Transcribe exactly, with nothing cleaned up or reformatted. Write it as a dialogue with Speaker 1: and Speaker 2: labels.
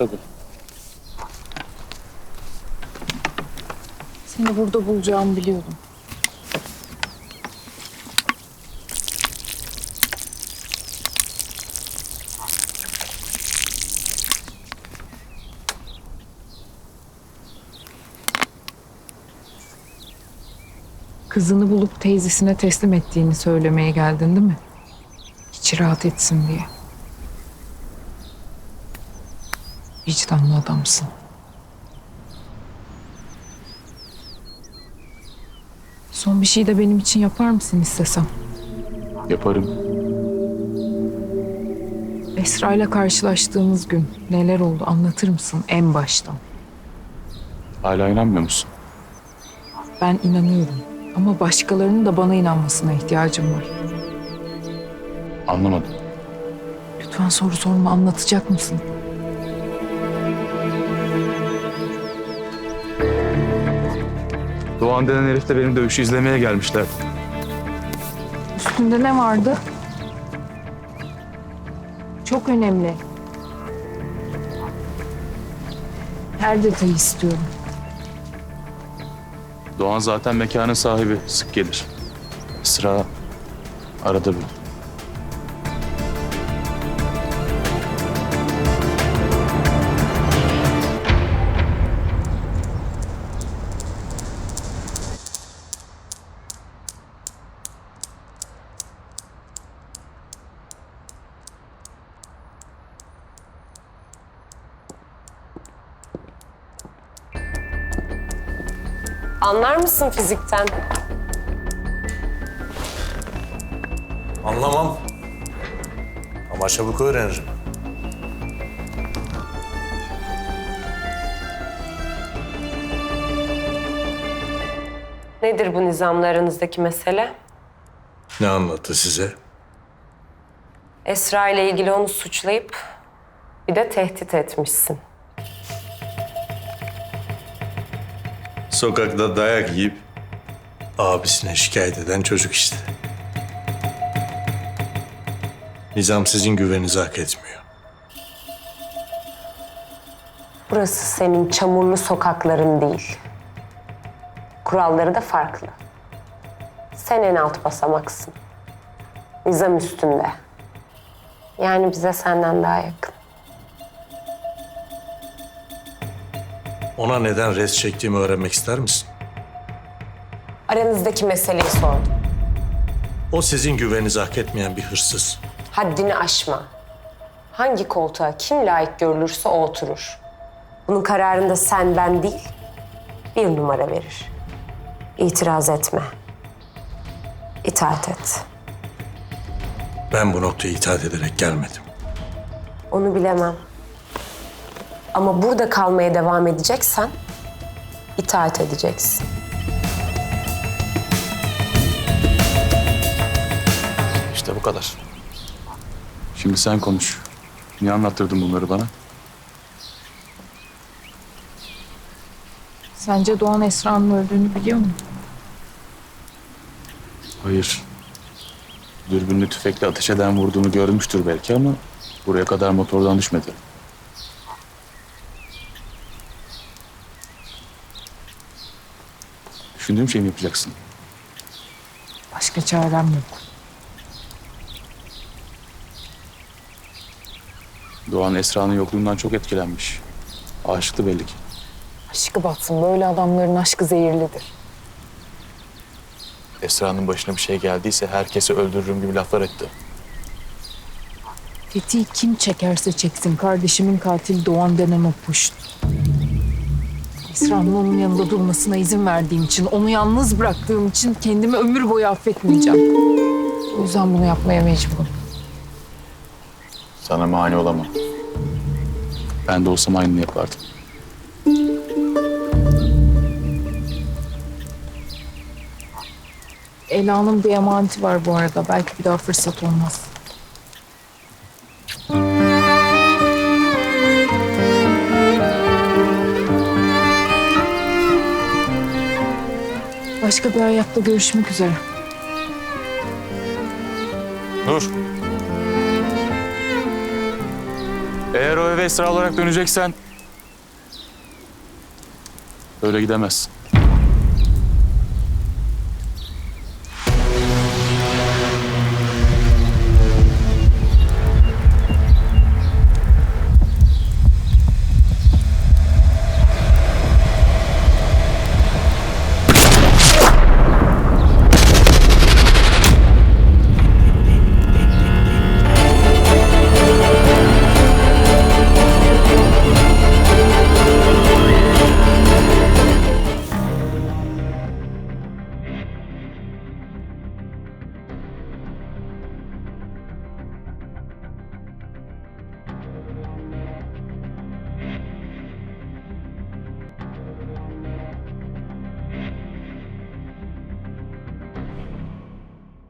Speaker 1: tabii.
Speaker 2: Seni burada bulacağımı biliyordum. Kızını bulup teyzesine teslim ettiğini söylemeye geldin değil mi? İçi rahat etsin diye. Vicdanlı adamsın. Son bir şey de benim için yapar mısın istesem?
Speaker 1: Yaparım.
Speaker 2: Esra ile karşılaştığımız gün neler oldu anlatır mısın en baştan?
Speaker 1: Hala inanmıyor musun?
Speaker 2: Ben inanıyorum ama başkalarının da bana inanmasına ihtiyacım var.
Speaker 1: Anlamadım.
Speaker 2: Lütfen soru sorma, anlatacak mısın?
Speaker 1: Doğan denen herifle benim dövüşü izlemeye gelmişler.
Speaker 2: Üstünde ne vardı? Çok önemli. Her detayı istiyorum.
Speaker 1: Doğan zaten mekanın sahibi. Sık gelir. Esra arada bir.
Speaker 3: Anlar mısın fizikten?
Speaker 4: Anlamam. Ama çabuk öğrenirim.
Speaker 3: Nedir bu nizamlarınızdaki mesele?
Speaker 4: Ne anlattı size?
Speaker 3: Esra ile ilgili onu suçlayıp bir de tehdit etmişsin.
Speaker 4: Sokakta dayak yiyip abisine şikayet eden çocuk işte. Nizam sizin güveninizi hak etmiyor.
Speaker 3: Burası senin çamurlu sokakların değil. Kuralları da farklı. Sen en alt basamaksın. Nizam üstünde. Yani bize senden daha yakın.
Speaker 4: Ona neden res çektiğimi öğrenmek ister misin?
Speaker 3: Aranızdaki meseleyi sordum.
Speaker 4: O sizin güveninizi hak etmeyen bir hırsız.
Speaker 3: Haddini aşma. Hangi koltuğa kim layık görülürse o oturur. Bunun kararında sen, ben değil, bir numara verir. İtiraz etme. İtaat et.
Speaker 4: Ben bu noktaya itaat ederek gelmedim.
Speaker 3: Onu bilemem. Ama burada kalmaya devam edeceksen itaat edeceksin.
Speaker 1: İşte bu kadar. Şimdi sen konuş. Niye anlattırdın bunları bana?
Speaker 2: Sence Doğan Esra'nın öldüğünü biliyor mu?
Speaker 1: Hayır. Dürbünlü tüfekle ateş eden vurduğunu görmüştür belki ama buraya kadar motordan düşmedi. Düşündüğüm şeyi mi yapacaksın?
Speaker 2: Başka çarem yok.
Speaker 1: Doğan Esra'nın yokluğundan çok etkilenmiş. Aşıktı belli ki.
Speaker 2: Aşkı batsın. Böyle adamların aşkı zehirlidir.
Speaker 1: Esra'nın başına bir şey geldiyse herkesi öldürürüm gibi laflar etti.
Speaker 2: Tetiği kim çekerse çeksin. Kardeşimin katili Doğan denen o puşt. Esra'nın onun yanında durmasına izin verdiğim için, onu yalnız bıraktığım için kendimi ömür boyu affetmeyeceğim. O yüzden bunu yapmaya mecburum.
Speaker 1: Sana mani olamam. Ben de olsam aynını yapardım.
Speaker 2: Ela'nın bir emaneti var bu arada. Belki bir daha fırsat olmaz. Başka bir hayatta görüşmek üzere.
Speaker 1: Dur. Eğer o eve Esra olarak döneceksen... ...öyle gidemezsin.